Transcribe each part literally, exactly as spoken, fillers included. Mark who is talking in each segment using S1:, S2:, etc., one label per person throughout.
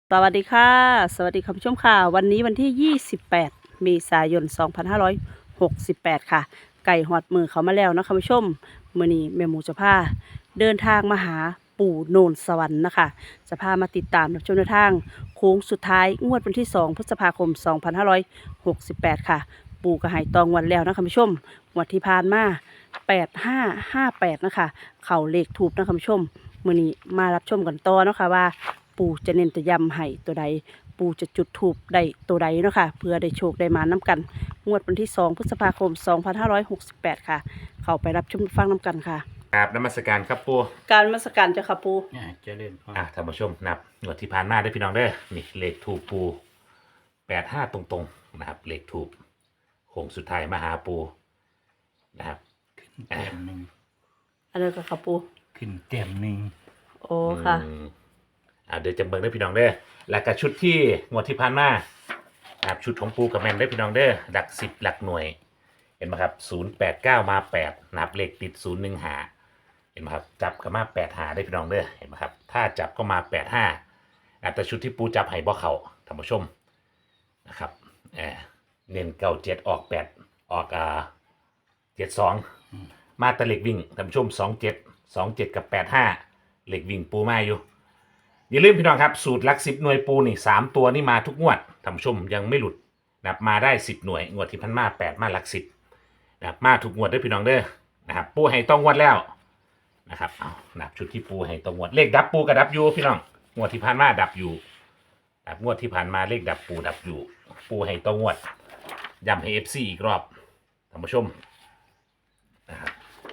S1: สวัสดีค่ะสวัสดีคุณผู้ชมค่ะวันนี้วันที่ยี่สิบแปดเมษายนสองพันห้าร้อยหกสิบแปดค่ะไก่หอดมือเขามาแล้วนะคุณผู้ชมมื้อนี้แม่หมูจะพาเดินทางมาหาปู่โนนสวรรค์นะคะจะพามาติดตามรับชมแนวทางโค้งสุดท้ายงวดวันที่สองพฤษภาคมสองพันห้าร้อยหกสิบแปดค่ะปู่ก็ให้ตองวันแล้วนะคุณผู้ชมงวดที่ผ่านมาแปดห้าห้าแปดนะคะเข่าเลขถูกนะคุณผู้ชมมื้อนี้มารับชมกันต่อเนาะค่ะว่า ปู่จะเน้นจะย้ำให้ตัวใดปู่จะจุดถูกได้ตัวใดเนาะค่ะเพื่อได้โชคได้มาน้ำกันงวดวันที่สองพฤษภาคมสองพันห้าร้อยหกสิบแปดค่ะเข้าไปรับชมฟังน้ำกันค่ะ
S2: กราบนมัสการครับปู
S1: การนมัสการเจ้าค่ะปู่
S3: อ่าเจริญพร
S2: อ่ะท่านผู้ชมนับหน่วยที่ผ่านมาได้อพี่น้องเด้อนี่เลขถูกปูแปดห้าตรงๆนะครับเลขถูกโค้งสุดท้ายมาหาปูนะครับ
S3: ขึ้นเต็มหนึ่ง
S1: อันนี้ก็ค่ะปู่
S3: ขึ้นเต็มหนึ่ง
S1: โอ้ค่ะ
S2: อืมอ่าเดี๋ยวจะเบิ่งได้อพี่น้องเด้อแล้วก็ชุดที่งวดที่ผ่านมานะครับชุดของปูกับแมนได้อพี่น้องเด้อหลักสิบหลักหน่วย เห็นไหมครับศูนย์แปดเก้ามาแปดนับเลขติดศูนย์หนึ่งหาเห็นไหมครับจับก็มาแปดหาได้พี่น้องเด้อเห็นไหมครับถ้าจับก็มาแปดห้าแต่ชุดที่ปูจับให้บ่เขาท่านผู้ชมนะครับเออเน้นเก้าเจ็ดออกแปดออกอ่าเจ็ดสองมาแตะเหล็กวิ่งท่านผู้ชมสองเจ็ดสองเจ็ดกับแปดห้าเหล็กวิ่งปูมาอยู่อย่าลืมพี่น้องครับสูตรหลักสิบหน่วยปูนี่สามตัวนี่มาทุกงวดท่านผู้ชมยังไม่หลุดนับมาได้สิบหน่วยงวดที่พันมาแปดมาหลักสิบนะครับมาถูกงวดด้วยพี่น้องเด้อนะครับปูให้ต้องงวดแล้วนะครับเอานับชุดที่ปูให้ต้องงวดเลขดับปูกับดับยูพี่น้องงวดที่ผ่านมาดับอยู่ดับงวดที่ผ่านมาเลขดับปูดับอยู่ปูให้ต้องงวดย้ำให้เอฟซีอีกรอบท่านผู้ชมนะครับ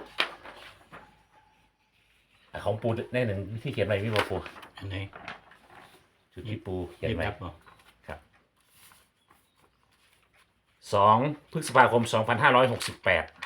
S2: ของปูได้หนึ่งที่เขียนไว้พี่บอปู
S3: อันไหนี้
S2: ชุดที่ปูเขียน
S3: เรียบ
S2: ไว้
S3: รับบ่
S2: ครับสองพฤษภาคมสองพันห้าร้อยหกสิบแปด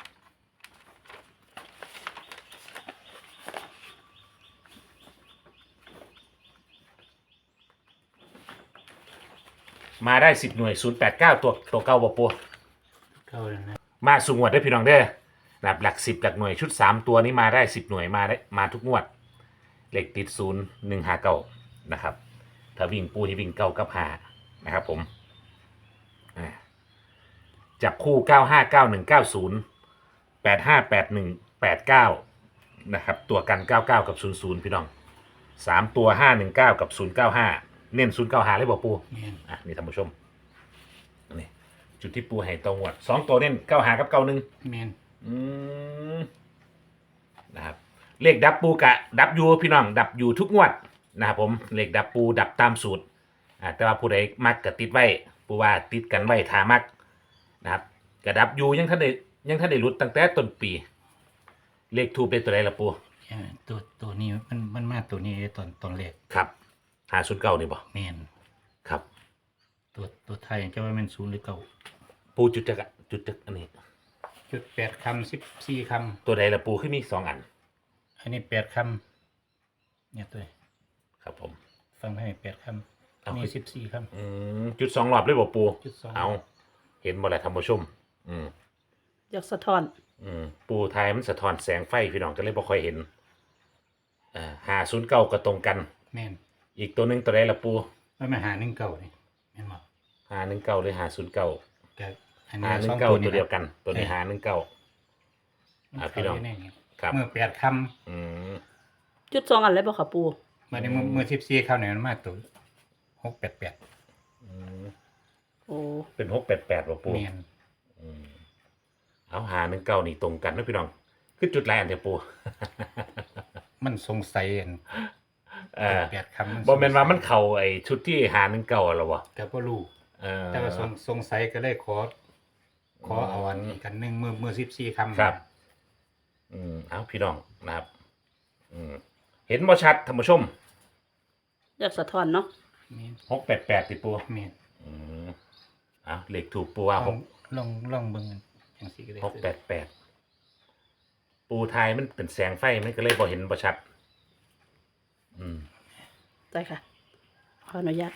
S2: มาได้สิบหน่วยศูนย์แปดเก้าตัวตัวเก้าบอปู
S3: เข้าแล้วนะ
S2: มาสูงวดได้พี่น้องเด้อแบบหลักสิบหลักหน่วยชุดสามตัวนี้มาได้สิบหน่วยมาได้มาทุกงวดเลขติดศูนย์หนึ่งหาเก้านะครับถ้าวิ่งปูที่วิ่งเก้ากับหานะครับผมอ่าจับคู่เก้าห้าเก้าหนึ่งเก้าศูนย์แปดห้าแปดหนึ่งแปดเก้านะครับตัวกันเก้าเก้ากับศูนย์ศูนย์พี่น้องสามตัวห้าหนึ่งเก้ากับศูนย์เก้าห้าเน้นศูนย์เก้าห้าเลยบอกปู
S3: แม่น
S2: อ่ะนี่ท่านผู้ชมนี่จุดที่ปูให้ตรงวดสองตัวเน้นเก้าหากับเก้าหนึ่ง
S3: แม่น
S2: อืมนะครับเลขดับปูกะดับยูพี่น้องดับอยู่ทุกงวดนะครับผมเลขดับปูดับตามสูตรอ่าแต่ว่าผู้ใดมักกะติดไว้ปูว่าติดกันไว้ทามักนะครับกะดับยูยังท่านได้ยังท่านได้รุดตั้งแต่ต้นปี เลขทูปเป็นตัวใดละปู
S3: อ่าตัวตัวนี้มันมันมาตัวนี้ตอนตอนแรก
S2: ครับหาศูนย์เก้านี่บ่
S3: แม่น
S2: ครับ
S3: ตัวตัวไทยจะว่ามันศูนย์หรือเก้า
S2: ปูจุดจักรจุดจักรอันนี้
S3: จุดแปดคำสิบสี่ค
S2: ตัวใดละปูขึ้นมีสองอัน
S3: ำอันนี้แปดคำเนี่ยตัว
S2: ครับผม
S3: ฟังให้แปดคำอันนี้สิบสี่ค
S2: อืมจุดสองรอบเลยบ่ปู
S3: จุดสอง
S2: เอาเห็นบ่แหละท่านผู้ชม อืม
S1: อยากสะท้อน
S2: อืมปูไทยมันสะท้อนแสงไฟพี่น้องก็เลยบ่ค่อยเห็นอ่าหาศูนย์เก้าก็ตรงกัน
S3: ำแม่น
S2: อีกตัวหนึ่งตัวใดละปู
S3: ไม่มาหาหนึ่งเก้านี่แม่นบ่
S2: หาหนึ่งเก้าหรือหาศูนย์เก้า
S3: แต่อัน
S2: หา
S3: นี้
S2: หนึ่
S3: สอง ง
S2: เก้า
S3: ตัว
S2: ตั
S3: นี้
S2: วเดียวกัน ตัวนี้หาหนึ่งเก้า อ่าพี่น้อง ครับ
S3: เมื่อแปดค
S2: อืม
S1: จุดสองอันเลยบ่ค่ะปู่
S3: ำมาในเมื่อเมื่อสิบสี่คำเนี่ยมันมาตัวหกแปดแปด
S2: อืม
S1: โอ้
S2: เป็นหกแปดแปดบ่ปู
S3: แม่น
S2: อืมเอาหาหนึ่งเก้านี่ตรงกันนะพี่น้องคือจุดแรกอันเดียวปู
S3: มันสงสัยอัน
S2: เออ
S3: แปดคำมัน
S2: บ่แม่นว่ามันเข้าไอ้ชุดที่หาหนึ่งเก้าหรอวะ
S3: แต่ก็รู้
S2: เออ
S3: แต่ว่าสงสงสัยก็เลยขอ ขอเอาอันนี้กันหนึ่งมือมือสิบสี่คำ
S2: ครับ อืมเอาพี่น้องนะครับ อืมเห็นบ่ชัดท่านผู้ชม
S1: อยากสะท้อนเนาะ
S3: แม่น
S2: หกแปดแปดติปู
S3: แม่น
S2: อืมเอาเลขถูกปูว่า
S3: ล
S2: ห
S3: อง
S2: ก
S3: ลองลองเบิ่งจังซี่ก็ได้
S2: หกแปดแปดปูไทยมันเป็นแสงไฟมันก็เลยบ่เห็นบ่ชัด อืม
S1: ได้ค่ะขออนุญาต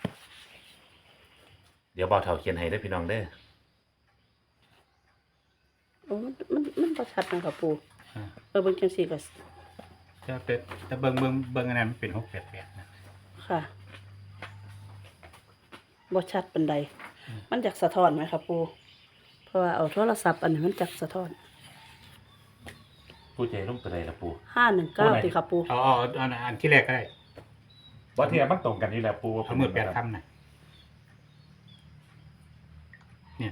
S2: เดี๋ยวเบาเท่าเขียนให้ได้อพี่น้องเด้อ
S1: โอ้มันมันมันบ่ชัดนะคะปู่
S3: อ่า
S1: เออเบิ่งจังซี่ก็
S3: แต่เป็นแต่เบิ่งเบิ่งเบิ่งอันนั้นมันเป็นหกแปดแปดนะ
S1: ค่ะบ่ชัดปานใดมันจักสะท้อนไหมครับปูเพราะว่าเอาโทรศัพท์อันนี้มันจักสะท้อน
S2: ปูใจร่มตัวใดล่ะปู
S1: ห้าหนึ่งเก้าติครับปู
S3: เอาเอาเอาอันอันที่แรกก็ได้
S2: บ่ที่มันตรงกันนี่แหละปู
S3: เอามือแปดคำนะเนี่ย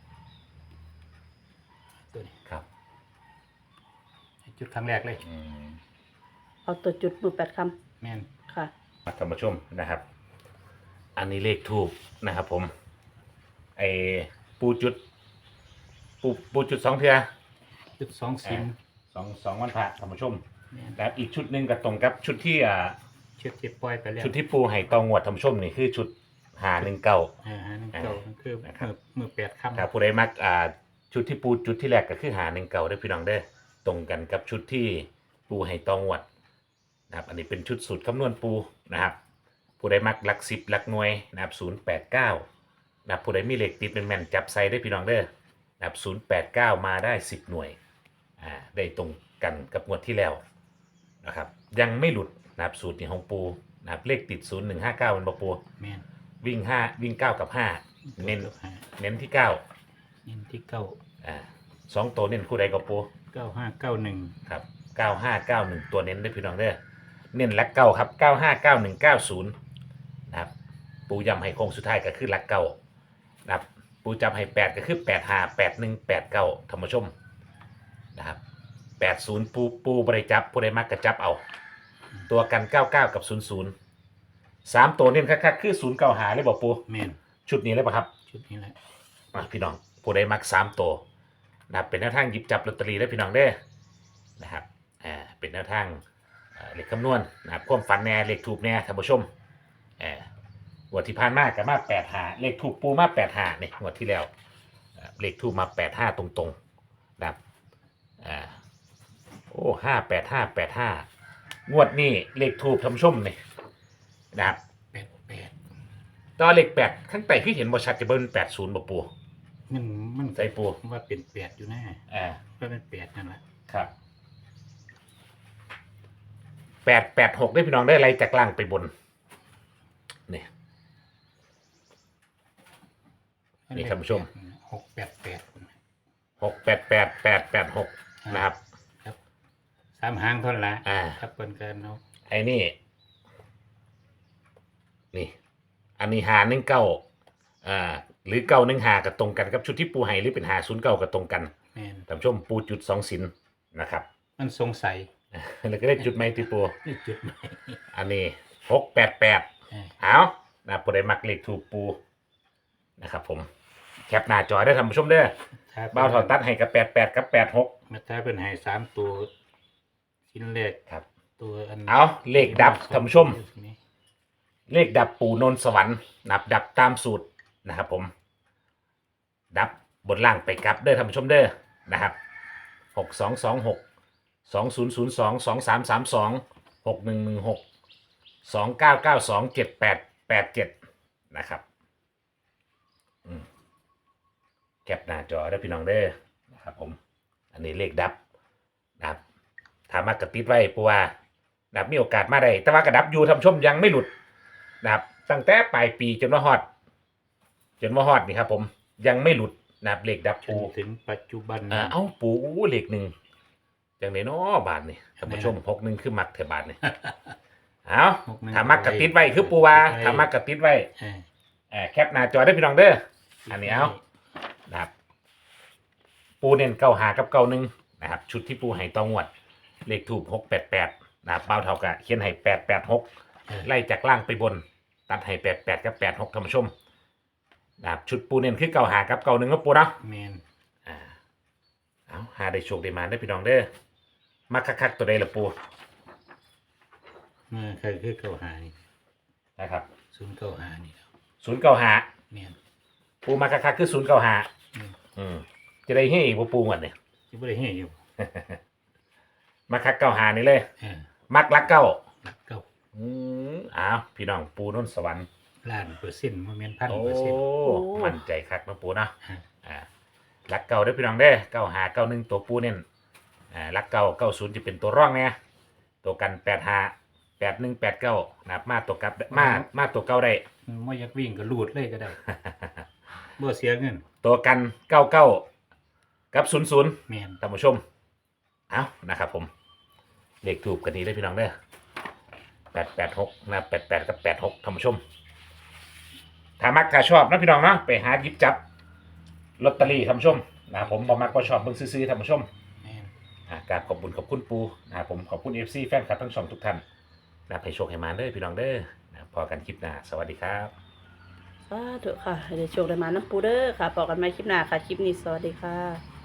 S3: ตัวนี้
S2: ครับ
S3: จุดครั้งแรกเลย
S2: อืม
S1: เอาตัวจุดมือแปดค
S3: แม่น
S1: ำค่ะ
S2: มาท่านผู้ชมนะครับ อันนี้เลขทูบนะครับ ผมไอปูจุด ปูปูจุดสองเทือ
S3: จุดสองสิบ
S2: สองสองวันพระท่านผู้ชม
S3: แม่น
S2: แล้วอีกชุดหนึ่งก็ตรงกับชุดที่อ่า
S3: เชือกเจ็บปล่อยไปแล้ว
S2: ชุดที่ปูให้ตองวดท่านผู้ชมนี่คือชุดหาหนึ่งเก้า
S3: อ่าฮะนั่นเก่านั่นคือ
S2: นะครับ
S3: มือมือแปดคำ
S2: ถ้าผู้ใดมักอ่าชุดที่ปูจุดที่แรกก็คือหาหนึ่งเก่าได้อพี่น้องเด้อตรงกันกับชุดที่ปูให้ตองวดนะครับ อันนี้เป็นชุดสูตรคำนวณปูนะครับ ผู้ใดมักหลักสิบหลักหน่วยนะครับศูนย์แปดเก้านะครับผู้ใดมีเลขติดเป็นแม่นจับใส่ได้อพี่น้องเด้อนะครับศูนย์แปดเก้ามาได้สิบหน่วยอ่าได้ตรงกันกับงวดที่แล้วนะครับ ยังไม่หลุดนะครับสูตรนี้ของปูนะครับเลขติดศูนย์หนึ่งห้าเก้ามันบอกปู
S3: แม่น
S2: วิ่งห้าวิ่งเก้ากับห้าเน้น
S3: ห้า
S2: เน้นที่เก้า
S3: เน้นที่เก้า
S2: อ่าสองตัวเน้นคู่ใดก็ปู
S3: เก้าห้าเก้าหนึ่ง
S2: ครับเก้าห้าเก้าหนึ่งตัวเน้นได้อพี่น้องเด้อเน้นหลักเก้าครับเก้าห้าเก้าหนึ่งเก้าศูนย์นะครับปูย้ำให้โค้งสุดท้ายก็คือหลักเก้านะครับปูจำให้แปดก็คือแปดห้าแปดหนึ่งแปดเก้าธรรมชมนะครับแปดศูนย์ปูปูบริจับผู้ใดมักกระจับเอา ตัวกันเก้าเก้ากับศูนย์ศูนย์สามตัวเน้นคักๆคือศูนย์เก้าหาเลยบอกปู
S3: แม่น
S2: ชุดนี้เลยป่ะครับ
S3: ชุดนี้แหละ
S2: อ่ะพี่น้องผู้ใดมักสามตัวนะครับเป็นแนวทางหยิบจับลอตเตอรี่ได้พี่น้องเด้อนะครับอ่าเป็นแนวทางเอ่อเลขคำนวณนะครับความฝันแน่เลขถูกแน่ท่านผู้ชมเอ่องวดที่ผ่านมากับมาแปดหาเลขถูกปูมาแปดหาเนี่ยงวดที่แล้วเอ่อเลขถูกมาแปดห้าตรงๆนะครับอ่าโอ้ห้าแปดห้าแปดห้างวดนี้เลขถูกท่านผู้ชมเนี่ยนะครับ
S3: แปดแปด
S2: ตอนเลขแปดข้างใต้ที่เห็นบริษัทจะเบิ้ลแปดศูนย์บ่ปู
S3: มันมัน
S2: ใส่ปู
S3: ว่าเป็นแปดอยู่แน่
S2: อ่า
S3: ว่าเป็นแปดนั่นแหละ
S2: ครับแปดแปดหกได้พี่น้องได้อะไรจากล่างไปบนเนี่ย นี่ท่านผู้ชม
S3: หกแปดแปด
S2: หกแปดแปดแปดแปดหกนะครับ
S3: ครับสามหางเท่านั้นละ
S2: อ่า
S3: ครับเปิ้นกันเนาะ
S2: ไอ้นี่ นี่ อันนี้หาหนึ่งเก้าอ่า หรือเก้าหนึ่งหากับตรงกันกับชุดที่ปูให้หรือเป็นหาศูนย์เก้ากับตรงกัน
S3: แม่น
S2: ท่านผู้ชมปูจุดสองสินนะครับ
S3: มันสงสัย
S2: แล้วก็ได้จุดไหมที่ปู
S3: นี่จุดไหน
S2: อันนี้หกแปดแปด
S3: อ่า
S2: เอานะผู้ใดมักเลขถูกปูนะครับผมแคปหน้าจอได้ท่านผู้ชมเด้อ
S3: ถ้า
S2: เบ้าเท่าตัดให้กับแปดแปดกับแปดหก
S3: มาถ้าเป็นให้สามตัวชิ้นแรก
S2: ครับ
S3: ตัวอัน
S2: เอาเลขดับท่านผู้ชม
S3: นี่
S2: เลขดับปูนนสวรรค์นับดับตามสูตรนะครับผม ดับบนล่างไปกลับเด้อท่านผู้ชมเด้อนะครับหกสองสองหกสองศูนย์ศูนย์สองสองสามสามสองหกหนึ่งหนึ่งหกสองเก้าเก้าสองเจ็ดแปดแปดเจ็ดนะครับอืมแคปหน้าจอได้อพี่น้องเด้อนะครับผม อันนี้เลขดับนะครับถามมากระติดไว้ปัวานะครับมีโอกาสมาได้แต่ว่ากระดับอยู่ท่านผู้ชมยังไม่หลุดนะครับตั้งแต่ปลายปีจนว่าฮอดจนว่าฮอดนี่ครับผมยังไม่หลุดนะครับเลขดับ
S3: จ
S2: ปู
S3: นถึงปัจจุบัน
S2: อ่าเอ้าปูอู้เลขหนึ่งจังไดเนาะบาทนี่ท่านผู้ชมหกหนึ่งคือมักเถอะบาทนี่เอา
S3: หกหนึ่ง
S2: ถามมากระติดไว้คือปูว่าถามมากระติดไว้
S3: อ่า
S2: เอ่อแคปหน้าจอได้พี่น้องเด้ออันนี้เอานะครับปูเน้นเก้าหากับเก้าหนึ่งนะครับชุดที่ปูให้ตองวด เลขถูกหกแปดแปดนะครับเป้าเท่ากับเขียนให้แปดแปดหก
S3: เออ
S2: ไล่จากล่างไปบน ตัดให้แปดแปดกับแปดหกท่านผู้ชมนะครับชุดปูเน้นคือเก้าหากับเก้าหนึ่งก็ปูเนาะ
S3: แมน
S2: อ่าเอาหาได้โชคได้มาได้อพี่น้องเด้อมาคักๆตัวใดละปู
S3: เมื่อเคยคือเก้าหานี่
S2: นะครับ
S3: ศูนย์เก้าหานี่ครับ
S2: ศูนย์เก้าหา
S3: แมน
S2: ปูมาคักๆคือศูนย์เก้าหา
S3: อืม
S2: อืมจะได้ให้อีกบ่ปูหมดเนี่ย
S3: ที่บ่ได้ให้อยู่
S2: มาคักเก้าหานี่เลย
S3: เออ
S2: มักรักเก้า
S3: หลักเก้า
S2: อืมอ้าวพี่น้องปูนนสวรรค์
S3: ล้านเปอร์เซ็นต์บ่แม่นพัน
S2: โอ้
S3: เปอร์เซ็นต์
S2: มั่นใจคักเนาะปูเนาะ
S3: ฮะ
S2: อ่ารักเก่าเด้อพี่น้องเด้อเก้าหาเก้าหนึ่งตัวปูเน้นอ่ารักเก่าเก้าศูนย์จะเป็นตัวร่องเนี่ยตัวกันแปดหาแปดหนึ่งแปดเก้านะครับมาตัวกลับมามาตัวเก้าได้
S3: ไม่อยากวิ่งก็รูดเลยก็ได้ บ่เสียเงิน
S2: ตัวกันเก้าเก้ากับศูนย์ศูนย์
S3: แม่น
S2: ท่านผู้ชมเอานะครับผมเลขถูกกันนี้ได้พี่น้องเด้อแปดแปดหกนะแปดแปดกับแปดหกท่านผู้ชมถ้ามักถ้าชอบนะพี่น้องเนาะไปหาหยิบจับลอตเตอรี่ท่านผู้ชมนะครับผมบ่มักบ่ชอบเบิ่งซื้อๆท่านผู้ชม
S3: แม่น
S2: อ่ากราบขอบคุณขอบคุณปูนะครับผมขอบคุณ เอฟ ซี แฟนคลับทั้งสองทุกท่านนะครับให้โชคให้มาเด้อพี่น้องเด้อนะครับพอกันคลิปหน้าสวัสดีครับ
S1: สาธุค่ะให้ได้โชคได้มาน้ำปูเด้อค่ะบอกกันใหม่คลิปหน้าค่ะ คลิปนี้สวัสดีค่ะ